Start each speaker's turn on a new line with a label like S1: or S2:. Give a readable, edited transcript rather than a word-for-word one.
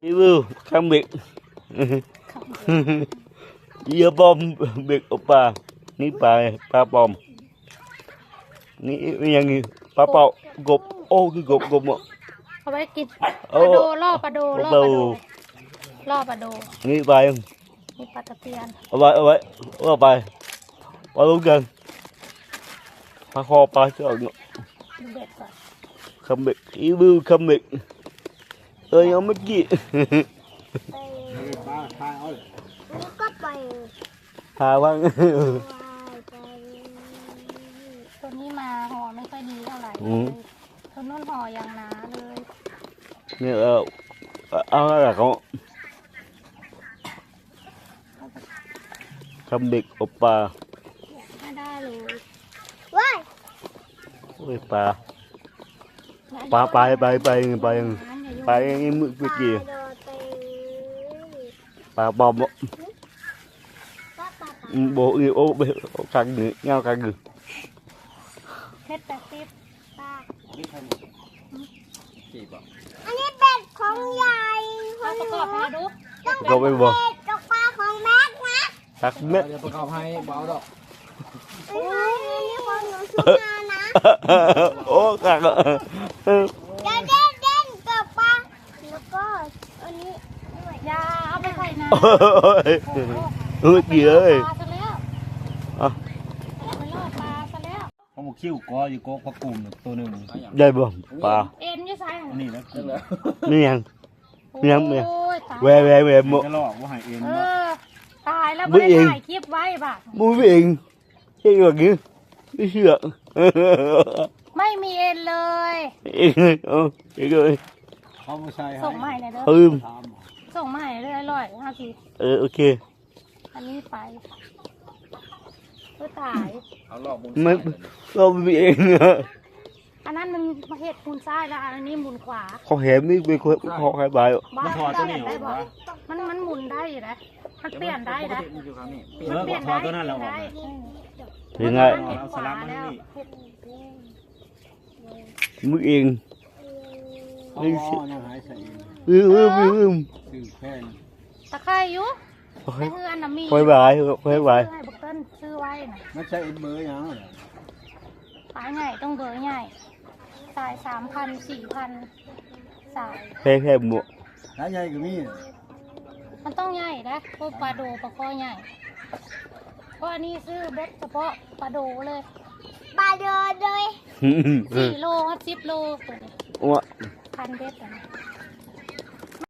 S1: Ibu kambing. Iya bom big opa. Ni pa bom. Ni yang ni pa pau gộp ô cái gộp gộp mà.
S2: เอาไว้กินปลาโดล่อปลาโดล่อปลาโดล่อปลาโด
S1: Ni bài không?
S2: มีปลาตะเพียน
S1: Ở bài. Ba luôn gần. Pa kho pa chứ.
S2: ดูเบ็ดก่อน
S1: Kambing. Ibu kambing. Ơi ông mất gì?
S3: ป้าทายเอาเลย
S4: แล้วก็ไป
S1: Hà vâng.
S2: ตัวนี้มาห่อไม่ค่อยดีเท่าไหร่
S1: อืม
S2: ตัวนู้นห่ออย่างหนาเลย
S1: Nè ăn là con. Kambing opa.
S2: ไม่ได้เลย
S4: ว้าย
S1: Ôi pa. Pa bay cái mực cái gì?
S4: โดนไป
S1: Pa bom.
S4: ป้าป้า
S1: Bộ yêu ô căng nữa, nhau căng nữa.
S2: เพชร80
S4: ป้า
S3: นี่ใครจีบอ่ะ
S4: อันนี้เป็ดของยาย
S2: เอาประกอบให้ดู
S1: Có bên bò.
S4: เป็ดกับปลาของแม็กนะ
S1: Tắc mét.
S3: เดี๋ยวประกอบให้เบาดอก
S4: ไม่ใช่อันนี้ของหนูชุบมานะ
S1: Ô căng.
S4: เดี๋ยวเด่นกับปลาแล้วก็อันนี้ด้วย
S2: ยาเอาไปใส่น้
S1: Ôi gì
S2: ำ
S1: ơi.
S2: ปลาซะแล้ว
S1: À,
S2: ไปล่อปลาซะแล้ว
S3: เขาบอกคิ้วกออยู่กอพักกุ่มตัวหนึ่ง
S1: đây bò. Pa.
S2: เอ็นอยี่ไซ
S3: อันนี้นะกินแล้ว
S1: Miếng.
S2: โอ้
S1: miếng.
S2: ยตาย
S1: Về một.
S3: จะลอกว่าหายเอง
S2: เอ
S3: มา
S2: อตายแล้ว
S1: Bước
S2: ไม่ได้
S1: yên.
S2: ถ่ายคลิปไว้ป่ะ
S1: Mũi viện. Cái gì kìa? Cái sữa.
S2: ไม่มีเอ็นเลย
S1: Cái rồi.
S3: เขาไม่ใช่
S2: ส่งมาให้หน่อยเด้อ
S1: Hương.
S3: ถาม
S2: ส่งมาให้เลยอร่อยห้าสิ
S1: Ok.
S2: อันนี้ไปก็ตาย
S3: เอาลอกบุญ
S1: Mấy không viện.
S2: อันนั้นมันมาเห็ดมูลซ้ายแล้วอันนี้มูลขวา
S1: Khó hẻm đi về khó hai bài.
S2: บ้า
S3: มันถอดตัวนี้
S2: ได้
S3: ออก
S2: บ่
S3: วะ
S2: มันหมุนได้อยู่นะมันเปลี่ยนได้นะ
S3: มันอยู่ครั้งนี้
S2: มันเปลี่ยน
S3: ถอดตัวนั้นแล้วออก
S2: ได้
S1: Thì ngay
S3: เอาสลับมันนี่
S1: mũi yên.
S3: อ๋อยังหายใส่เอง ซื้อแพง
S2: ตะไคร้อยู่แต่คืออันน่ะมี
S1: Khoai bài, khoai bài.
S2: ให้บุกเติ้ลซื้อไว้น่ะ
S3: ไม่ใช่เอ็นเบอร์ยังเหรอ
S2: ฝาใหญ่ต้องเบอร์ใหญ่สาย3,000 4,000สาย
S1: Phê mụa.
S3: ร้านใหญ่ก็มี
S2: มันต้องใหญ่นะพวกปลาโดปลาคอใหญ่เพราะอันนี้ซื้อเบ็ดเฉพาะปลาโดเลย
S4: ปลาโดนเลย
S2: 4 โล10 โลตัวนี้
S1: Ủa.
S2: พันเบ็ดอ่ะนะ